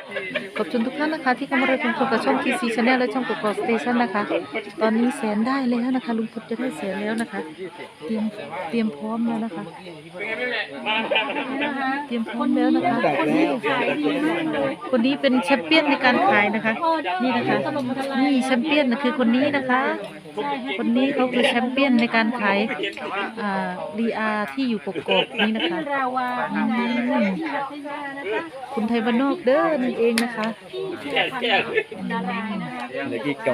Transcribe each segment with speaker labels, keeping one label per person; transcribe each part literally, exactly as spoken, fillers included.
Speaker 1: ขอบคุณทุกท่านนะคะที่เข้ามารับชมกับช่อง ที ซี Channel และช่องกกอกสเตชันนะคะ ตอนนี้แสนได้แล้วนะคะลุงพลจะได้แสนแล้วนะคะ เตรียมเตรียมพร้อมแล้วนะคะเตรียมพร้อมแล้วนะคะคนนี้คนนี้เป็นแชมเปี้ยนในการขายนะคะนี่นะคะนี่แชมเปี้ยนนะคือคนนี้นะคะ คนนี้เขาคือแชมเปี้ยนในการขายอ่ารีอาที่อยู่กกอกนี่นะคะอืมคุณไทยบ้านนอกเด้อนั่นเองนะคะ
Speaker 2: เหลือกี่กล่อง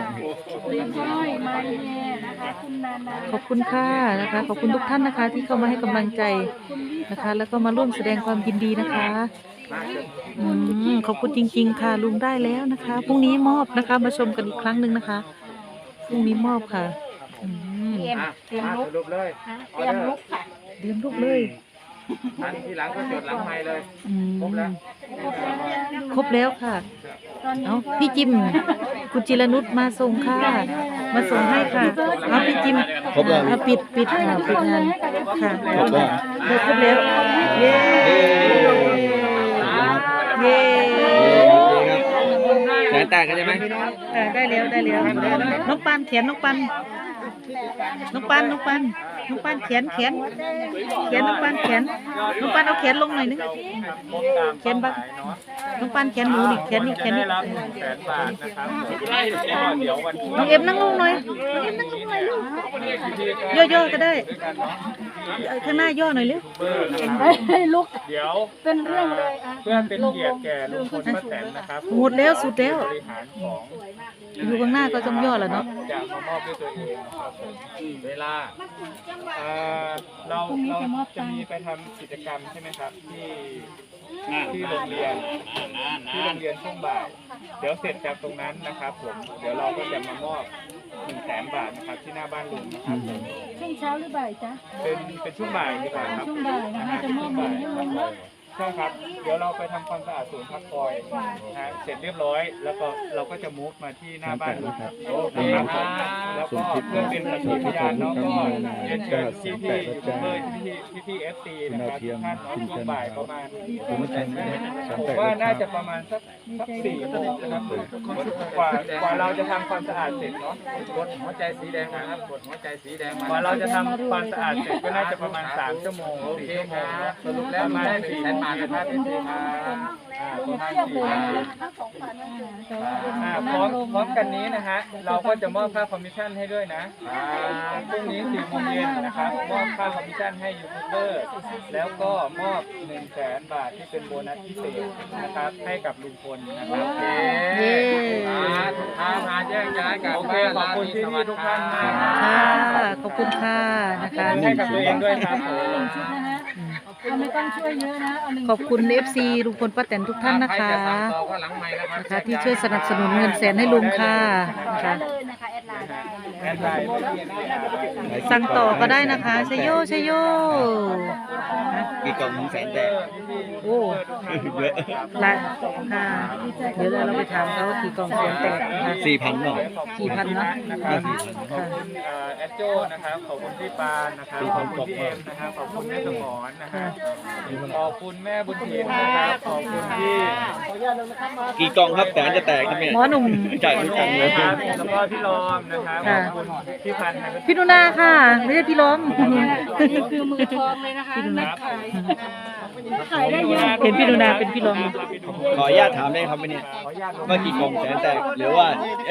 Speaker 1: ขอบคุณค่ะนะคะขอบคุณทุกท่านนะคะที่เข้ามาให้กำลังใจนะคะ แล้วก็มาร่วมแสดงความยินดีนะคะอืมขอบคุณจริงๆค่ะลุงได้แล้วนะคะพรุ่งนี้มอบนะคะมาชมกันอีกครั้งหนึ่งนะคะพรุ่งนี้มอบค่ะอืม
Speaker 3: เตรียมเตรียมลุก
Speaker 2: รูปเลย
Speaker 3: เตรียมลุกค่ะ
Speaker 1: เตรียมลูกเลย
Speaker 2: อันทีหลังก็จดหลังไม้เลย
Speaker 1: อืม
Speaker 2: ครบแล้ว
Speaker 1: ครบแล้วค่ะเอาพี่จิมคุณจิรนุชมาส่งค่ะมาส่งให้ค่ะเอาพี่จิม
Speaker 2: ครบแล้ว
Speaker 1: เอาปิดปิดค่ะปิดงานค่ะ
Speaker 2: ครบแล้ว
Speaker 1: เดี๋ยวครบแล้วเย้เย้
Speaker 2: แสนแตกกันใช่ไหม
Speaker 1: อ่าได้แล้วได้แล้วน้องปันเขียนน้องปันน้องปันน้องปันน้องปันเขียนเขียนเขียนน้องปันเขียนน้องปันเอาเขียนลงหน่อยนึงเขียนบ้างน้องปันเขียนหนูนี่เขียนนี่เขียนนี่
Speaker 2: แสนบาทนะครับเดี๋ยววัน
Speaker 1: น้องเอ็มนั่งลงหน่อยน้องเอ็มนั่งลงหน่อยลูกย่อๆก็ได้ข้างหน้าย่อหน่อยเร็ว
Speaker 3: ให้ลุก
Speaker 2: เดี๋ยว
Speaker 3: เป็นเรื่องเลยอ่ะ
Speaker 2: เพื่อเป็นเกียรติแก่ลุงพลป้าแตนนะครับ
Speaker 1: หมดแล้วสุดแล้ว
Speaker 2: บริหารของ
Speaker 1: อยู่ข้างหน้าก็ต้องย่อแหละเนาะ
Speaker 2: จะมามอบด้วยตัวเองนะครับเวลาเอ่อเราเราจะมีไปทำกิจกรรมใช่ไหมครับที่ที่โรงเรียนที่โรงเรียนช่วงบ่ายเดี๋ยวเสร็จจากตรงนั้นนะครับผมเดี๋ยวเราก็จะมามอบหนึ่งแสนบาทนะครับที่หน้าบ้านลุงนะครับ
Speaker 3: ช่วงเช้าหรือบ่ายจ๊ะ
Speaker 2: เป็นเป็นช่วงบ่ายดีกว่าครับ
Speaker 3: ช่วงบ่ายนะคะจะมอบเงินให้ลุงเนาะ
Speaker 2: ใช่ครับ เดี๋ยวเราไปทำความสะอาดศูนย์พักคอยนะฮะเสร็จเรียบร้อย แล้วก็เราก็จะมูฟมาที่หน้าบ้านลุงครับโอเคครับแล้วก็เพื่อเป็นสักขีพยานเนาะก็เรียนเชิญพี่พี่ยูทูบเบอร์พี่พี่พี่เอฟซีนะครับทุกท่านเนาะช่วงบ่ายประมาณผมว่าน่าจะประมาณสักสักสี่โมงนะครับกว่ากว่าเราจะทำความสะอาดเสร็จเนาะกดหัวใจสีแดงนะครับกดหัวใจสีแดงกว่าเราจะทำความสะอาดเสร็จก็น่าจะประมาณสามชั่วโมงสี่ชั่วโมงสรุปแล้วประมาณสี่แสนบาทนะครับพี่พี่ครับอ่าประมาณสี่แสน อ่าพร้อมพร้อมกันนี้นะฮะเราก็จะมอบค่าคอมมิชชั่นให้ด้วยนะอ่าพรุ่งนี้สี่โมงเย็นนะครับมอบค่าคอมมิชชั่นให้ยูทูบเบอร์แล้วก็มอบหนึ่งแสนบาทที่เป็นโบนัสพิเศษนะครับให้กับลุงพลนะครับ
Speaker 1: เย้
Speaker 2: พามาแยกย้ายกันโอเคขอบคุณที่นี่ทุกท่านมาก
Speaker 1: ค่ะขอบคุณค่ะนะคะ
Speaker 2: ให้กับตัวเองด้วยครับผม
Speaker 3: ชุดนะฮะเอาไม่ต้องช่วยเยอะนะเอาหนึ่ง
Speaker 1: ขอบคุณ เอฟ ซี ลุงพลป้าแตนทุกท่านนะคะนะคะที่ช่วยสนับสนุนเงินแสนให้ลุงค่ะนะคะ
Speaker 3: เลยนะคะแอดไลน์ได้
Speaker 2: แอดไลน์
Speaker 1: สั่งต่อก็ได้นะคะชยโยชยโย
Speaker 2: กี่กล่องหนึ่งแสนแตก
Speaker 1: โอ้เยอะละค่ะเดี๋ยวเราไปถามเขาว่ากี่กล่องแสนแตกนะคะ
Speaker 2: สี่พันหรอ
Speaker 1: กี่พันเนาะ
Speaker 2: นะครับขอบคุณเอ่อแอดโจนะครับขอบคุณพี่ปานนะครับขอบคุณพี่เอ็มนะครับขอบคุณแม่สมรนะครับขอบคุณแม่บุญถิ่นนะครับขอบคุณพี่
Speaker 4: กี่กล่องครับแสนจะแตกครับเนี่ย
Speaker 1: หมอหนุ่ม
Speaker 4: จ่ายทุกกล่องเลย
Speaker 2: นะครับแล้วก็พี่รอมนะครับข
Speaker 1: ค่ะ
Speaker 2: อบคุณพี่พันธ์นะครับ
Speaker 1: พี่นุนาค่ะ ไม่ใช่พี่ล้อม
Speaker 3: นี่คือมือทองเลยนะคะนักขายขายได้เยอะ
Speaker 1: เห็นพี่นุนาเป็นพี่ล้อม
Speaker 4: ขออนุญาตถามได้ครับเนี่ย
Speaker 2: ขออนุญาตลง
Speaker 4: ว่ากี่กล่องแสนแตกหรือว่า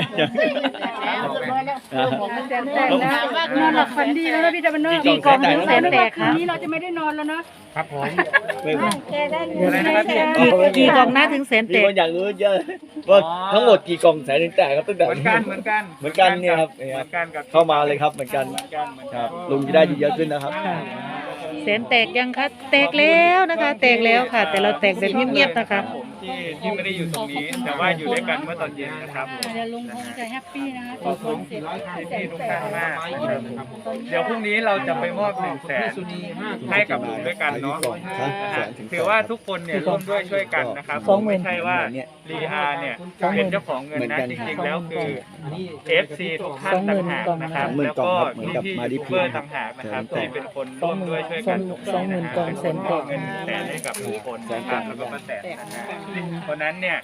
Speaker 3: นอนหลับฝันดีแล้วนะพี่ตะวันเนอร์
Speaker 1: กี่กล่องถึงแสนแตกคะ
Speaker 3: คืนนี้เราจะไม่ได้นอนแล้วนะ
Speaker 2: ครับผม
Speaker 4: ไม่
Speaker 2: อะไรนะครับพี่
Speaker 1: กี่กี่กล่องหน้าถึงแสน
Speaker 4: มี
Speaker 1: แต
Speaker 4: ค
Speaker 1: ก
Speaker 4: นอยากรู้เยอะว่าทั้งหมดกี่กล่องแสนถึงแตกครับตั้งแต่
Speaker 2: เหมือนกันเหมือนกัน
Speaker 4: เหมือนกันเนี่ยครับ
Speaker 2: เหมือนกันกับ
Speaker 4: เข้ามาเลยครับเหมือนกัน
Speaker 2: เหมือนกันเหมือน
Speaker 4: ค
Speaker 2: กั
Speaker 4: รั
Speaker 2: น
Speaker 4: บลุงจะได้เยอะขึ้นนะครับ
Speaker 1: แสนแตกยังคะแตกแล้วนะคะ แตกแล้วค่ะ แต่เราแตกแบบเงียบๆนะคะ
Speaker 2: ผมที่ที่ไม่ได้อยู่ตรงนี้ แต่ว่าอยู่ด้วยกันเมื่อตอนเย็นนะครับผม
Speaker 3: เดี๋ยวลุงคงจะแฮปปี้นะคะ
Speaker 2: ขอบคุณพี่ๆทุกท่านมากนะครับเดี๋ยวพรุ่งนี้เราจะไปมอบหนึ่งแสนให้กับลุงด้วยกันเนาะถือว่าทุกคนเนี่ยร่วมด้วยช่วยกันนะครับ
Speaker 1: สองหมื่น
Speaker 2: ไม่ใช่ว่ารีอาร์เนี่ยเป็นเจ้าของเงินนะจริงๆแล้วคือ เอฟ ซี ทุกท่านต่างหากนะครับแล้วก็พี่ๆยูทูบเบอร์ต่างหากนะครับที่เป็นคนร่วมด้วยช่วยกัน
Speaker 1: สองหมื่นกล่องแสนแตก
Speaker 2: เงินแสนให้กับลุงพลนะครับแล้วก็ป้าแตนนะฮะเพราะนั้นเนี่ย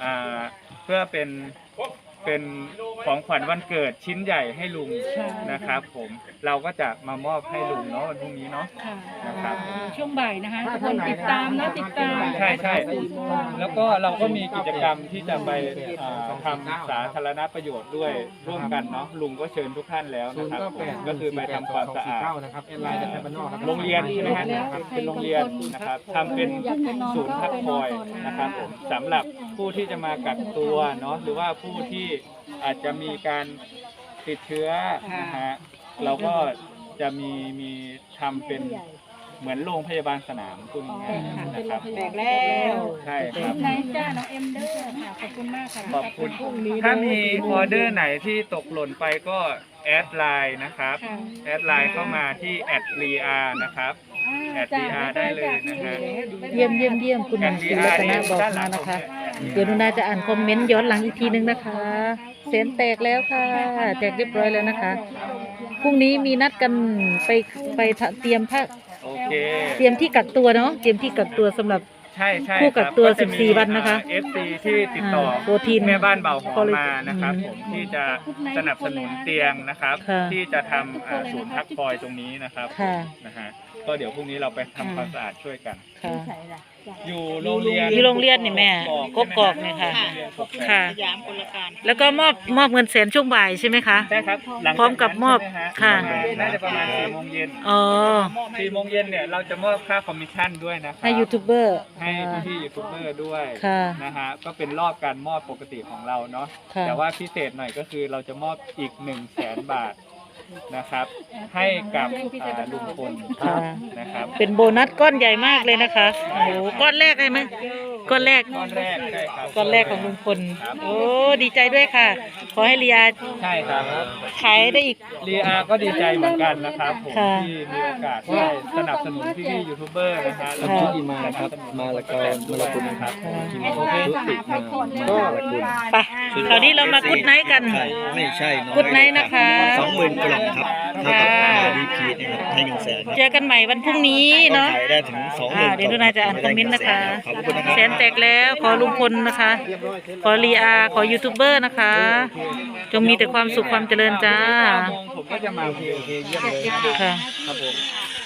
Speaker 2: อ่าเพื่อเป็นเป็นของขวัญวันเกิดชิ้นใหญ่ให้ลุงนะครับผมเราก็จะมามอบให้ลุงเนาะวันพรุ่งนี้เนาะ
Speaker 3: ค่ะ
Speaker 2: นะครับ
Speaker 3: ช่วงบ่ายนะคะทุกคนติดตามนะติดตาม
Speaker 2: ใช่ใช่แล้วก็เราก็มีกิจกรรมที่จะไปอ่าทำสาธารณประโยชน์ด้วยร่วมกันเนาะลุงก็เชิญทุกท่านแล้วนะครับผมก็คือไปทำความสะอาด
Speaker 5: นะครับแอดไลน์จะใช้บ้านนอกนะครับ
Speaker 2: โรงเรียนใช่ไหมฮะเป็นโรงเรียนนะครับทำเป็นศูนย์พักคอยนะครับผมสำหรับผู้ที่จะมากักตัวเนาะหรือว่าผู้ที่อาจจะมีการติดเชื้อนะฮะเราก็จะมีมีทำเป็นเหมือนโรงพยาบาลสนามคุณง่ายๆนะครับ
Speaker 3: แตกแล้ว
Speaker 2: ใช่ครับ
Speaker 3: ไหนจ้าน้องเอ็มเดอร์ค่ะขอบคุณมากค่ะ
Speaker 2: ขอบคุณถ้ามีออเดอร์ไหนที่ตกหล่นไปก็แอดไลน์นะครับ
Speaker 3: ค่ะ
Speaker 2: แอดไลน์เข้ามาที่แอดรีอาร์นะครับแอดรีอาร์ได้เลยนะฮะ
Speaker 1: เยี่ยมเยี่ยมเยี่ยมคุณหมอศิรัตนะบอกมานะคะ เดี๋ยวหนูนาจะอ่านคอมเมนต์ย้อนหลังอีกทีนึงนะคะเสียงแตกแล้วค่ะแตกเรียบร้อยแล้วนะคะพรุ่งนี้มีนัดกันไปไปเตรียมผ้า
Speaker 2: โอเค
Speaker 1: เตรียมที่กักตัวเนาะเตรียมที่กักตัวสำหรับ
Speaker 2: ใช่ใช่
Speaker 1: ผู้กักตัว
Speaker 2: ครับจะมี
Speaker 1: สิบสี่วันนะคะ
Speaker 2: เอฟซีที่ติดต่อ
Speaker 1: อ่าโปรตีน
Speaker 2: แม่บ้านเบาหอมมา
Speaker 1: อืม
Speaker 2: นะครับผมที่จะสนับสนุนเตียงนะครับ
Speaker 1: ค่ะ
Speaker 2: ที่จะทำอ่าศูนย์พักคอยตรงนี้นะครับ
Speaker 1: ค่ะ
Speaker 2: นะฮะก็เดี๋ยวพรุ่งนี้เราไปทำความสะอาดช่วยกัน
Speaker 1: ค่ะ
Speaker 2: อยู่โรงเรียน
Speaker 1: อยู่โรงเรียนนี่แม่กกอกเนี่ยค่ะ ค่ะ แล้วก็มอบมอบเงินแสนช่วงบ่ายใช่ไหมคะ
Speaker 2: ใช่ครับหลังจาก
Speaker 1: พร้อมกับมอบ
Speaker 2: นั้นใช่
Speaker 1: ค่ะ
Speaker 2: ไหมฮะน่าจะประมาณสี่โมงเย็น
Speaker 1: อ๋อ
Speaker 2: สี่โมงเย็นเนี่ยเราจะมอบค่าคอมมิชชั่นด้วยนะครับ
Speaker 1: ให้ยูทูบเบอร์
Speaker 2: ให้พี่ๆยูทูบเบอร์ด้วย
Speaker 1: ค่ะ
Speaker 2: นะฮะก็เป็นรอบการมอบปกติของเราเนาะ
Speaker 1: ค่ะ
Speaker 2: แต่ว่าพิเศษหน่อยก็คือเราจะมอบอีกหนึ่งแสนบาทนะครับ ให้กับอ่าลุงพล
Speaker 1: ค่ะ
Speaker 2: นะครับ
Speaker 1: เป็นโบนัสก้อนใหญ่มากเลยนะคะ โอ้โหก้อนแรกเลยไหมก้อนแรก
Speaker 2: ก้อนแรกใช่ครับ
Speaker 1: ก้อนแรกของลุงพล โอ้ ดีใจด้วยค่ะ ขอให้เรีย
Speaker 2: ใช่ครับ
Speaker 1: ขายได้อีก
Speaker 2: ลีอาก็ดีใจเหมือนกันนะครับผม
Speaker 1: ค่ะ
Speaker 2: ที่มีโอกาสได้สนับสนุนพี่ๆยูทูบเบอร์นะฮะแล้ว
Speaker 1: ค่ะ
Speaker 2: ก็
Speaker 5: ที่มาครับมาละกอมาละคุณนะครับ
Speaker 2: ทีม
Speaker 5: โอเคชุติมามาละคุณ
Speaker 1: ไปคราวนี้เรามากุดไนท์กัน
Speaker 5: ไม่ใช่น้อย
Speaker 1: กุดไนท์นะคะ
Speaker 5: สองหมื่นกล่องครับเท่ากับดีพีนะครับให้หนึ่งแสน
Speaker 1: เจอกันใหม่วันพรุ่งนี้เนาะ
Speaker 5: ขายได้ถึงสองห
Speaker 1: อ่า
Speaker 5: มื่น
Speaker 1: เดี๋ยวดูนายจะอ่านคอมเมนต์นะคะ
Speaker 5: ขอบคุณนะครับ
Speaker 1: แสนแตกแล้ว ขอลุงพลนะคะ ขอรีอาขอยูทูบเบอร์นะคะ จงมีแต่ความสุขความเจริญจ้า
Speaker 2: เก้าโมงผมก็จะมาโอเคโอเคเยี่ยมเลย
Speaker 1: ค่ะ
Speaker 2: ครับผม